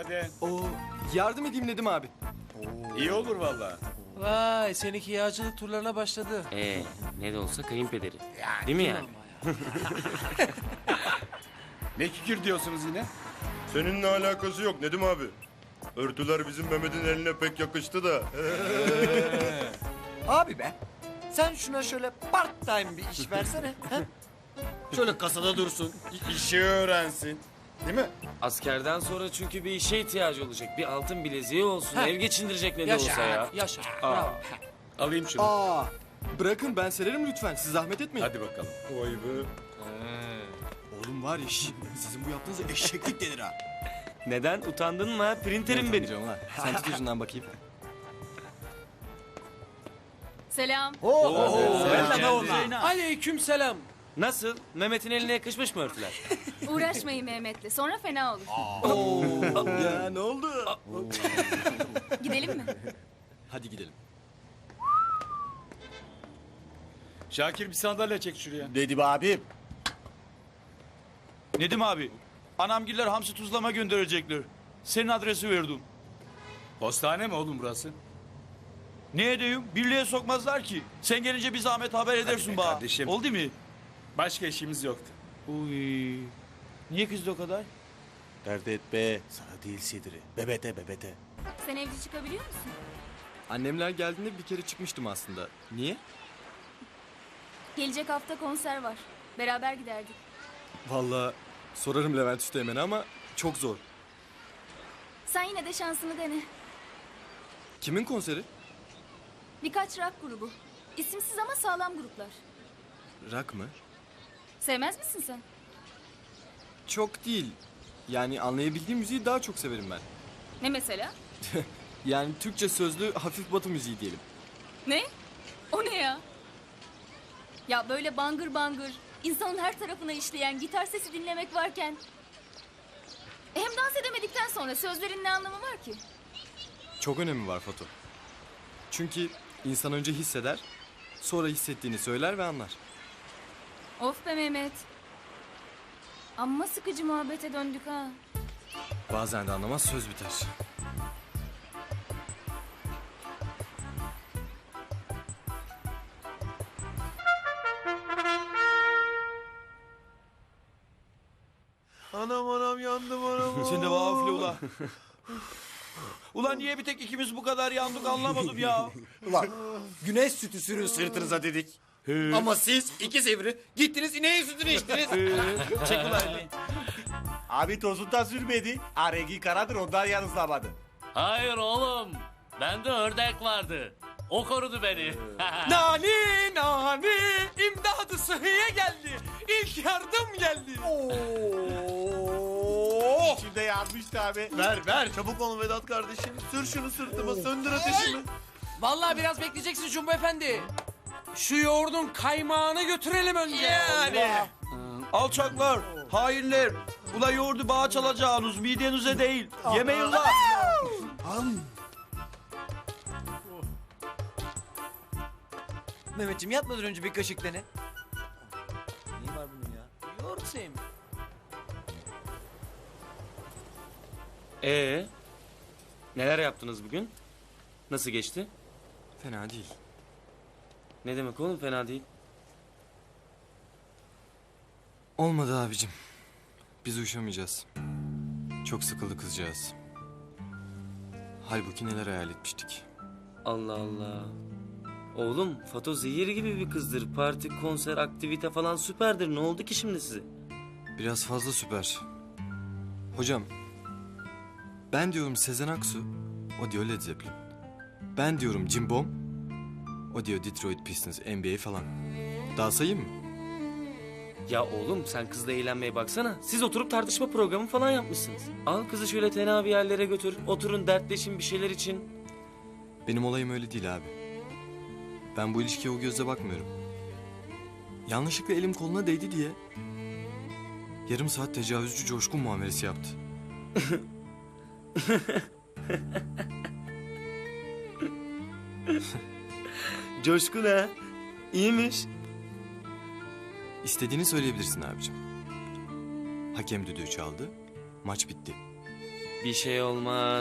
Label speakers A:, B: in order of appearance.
A: Günaydın.
B: Oo, yardım edeyim dedim abi.
A: İyi olur vallahi.
C: Vay seninki yağcılık turlarına başladı.
D: Ne de olsa kayınpederi. Değil mi yani?
A: Ne kikir diyorsunuz yine?
E: Seninle alakası yok Nedim abi. Örtüler bizim Mehmet'in eline pek yakıştı da.
F: Abi be, sen şuna şöyle part time bir iş versene. ha? Şöyle kasada dursun, işi öğrensin. Değil mi?
D: Askerden sonra çünkü bir işe ihtiyacı olacak. Bir altın bileziği olsun. Ev geçindirecek ne de olsa ya.
C: Yaşa.
A: Alayım şunu.
B: Aa, bırakın ben sererim lütfen. Siz zahmet etmeyin.
A: Hadi bakalım.
E: Vay be.
B: Oğlum var ya sizin bu yaptığınız eşeklik denir ha.
D: Neden? Utandın mı ha? Printerim benim.
B: Canım lan. Sen tut ucundan bakayım.
G: Selam.
C: Aleyküm selam.
D: Nasıl? Mehmet'in eline yakışmış mı örtüler?
G: Uğraşmayın Mehmet'le. Sonra fena olur.
B: Ya ne oldu?
G: Gidelim mi?
B: Hadi gidelim.
A: Şakir bir sandalye çek şuraya.
F: Dedim abim.
H: Nedim abi, anamgiller hamsi tuzlama gönderecekler. Senin adresi verdim.
A: Postane mi oğlum burası?
H: Ne edeyim? Birliğe sokmazlar ki. Sen gelince bir zahmet haber edersin
A: be
H: bana.
A: kardeşim.
H: Oldu mu?
A: Başka işimiz yoktu.
H: Uy. Niye kızdı o kadar?
F: Dert etme, sana değil Sidri. Bebete.
G: Sen evci çıkabiliyor musun?
B: Annemler geldiğinde bir kere çıkmıştım aslında. Niye?
G: Gelecek hafta konser var. Beraber giderdik.
B: Vallahi sorarım Levent Üsteğmen'e ama çok zor.
G: Sen yine de şansını dene.
B: Kimin konseri?
G: Birkaç rock grubu. İsimsiz ama sağlam gruplar.
B: Rock mı?
G: Sevmez misin sen?
B: Çok değil. Yani anlayabildiğim müziği daha çok severim ben.
G: Ne mesela?
B: Yani Türkçe sözlü hafif batı müziği diyelim.
G: Ne? O ne ya? Ya böyle bangır bangır, insanın her tarafına işleyen gitar sesi dinlemek varken... Hem dans edemedikten sonra sözlerin ne anlamı var ki?
B: Çok önemi var Fato. Çünkü insan önce hisseder, sonra hissettiğini söyler ve anlar.
G: Of be Mehmet. Amma sıkıcı muhabbete döndük ha.
B: Bazen de anlamaz söz biter.
H: Anam yandım anam. Sen de bana üfle ula. Ulan niye bir tek ikimiz bu kadar yandık anlamadım ya.
F: Ulan, güneş sütü sürün sırtınıza dedik. Ama siz iki sivri gittiniz ineğin sütünü içtiniz.
H: Çek ulan elini.
F: Abi tozundan sürmedi. Rengi karadır ondan yanızlamadı.
I: Hayır oğlum. Bende ördek vardı. O korudu beni.
C: Nani, imdadı sıhhiye geldi. İlk yardım geldi.
F: İçimde yanmıştı abi. Ver. Çabuk olun Vedat kardeşim. Sür şunu sırtıma söndür ateşimi.
C: Vallahi biraz bekleyeceksin Cumbo Efendi. Şu yoğurdun kaymağını götürelim önce.
F: Yani.
H: Alçaklar, hainler. Ula yoğurdu bağa çalacağınız midenize değil. Yemeyin lan.
F: Mehmetciğim yatmadan önce bir kaşık dene. Neyi var bunun ya?
C: Yoğurt sevmiyorum.
D: Neler yaptınız bugün? Nasıl geçti?
B: Fena değil.
D: Ne demek oğlum fena değil.
B: Olmadı abicim. Biz uyuşamayacağız. Çok sıkıldı kızcağız. Halbuki neler hayal etmiştik.
D: Allah Allah. Oğlum Fato zehir gibi bir kızdır. Parti, konser, aktivite falan süperdir. Ne oldu ki şimdi size?
B: Biraz fazla süper. Hocam, ben diyorum Sezen Aksu, o diyor Led Zeppelin. Ben diyorum Jim Bomb, o diyor Detroit Pistons, NBA falan. Daha sayayım mı?
D: Ya oğlum sen kızla eğlenmeye baksana. Siz oturup tartışma programı falan yapmışsınız. Al kızı şöyle tenha bir yerlere götür. Oturun dertleşin bir şeyler için.
B: Benim olayım öyle değil abi. Ben bu ilişkiye o gözle bakmıyorum. Yanlışlıkla elim koluna değdi diye... ...yarım saat tecavüzcü coşkun muamelesi yaptı.
D: Coşkun ha. İyiymiş.
B: İstediğini söyleyebilirsin abicim. Hakem düdüğü çaldı, maç bitti.
D: Bir şey olmaz.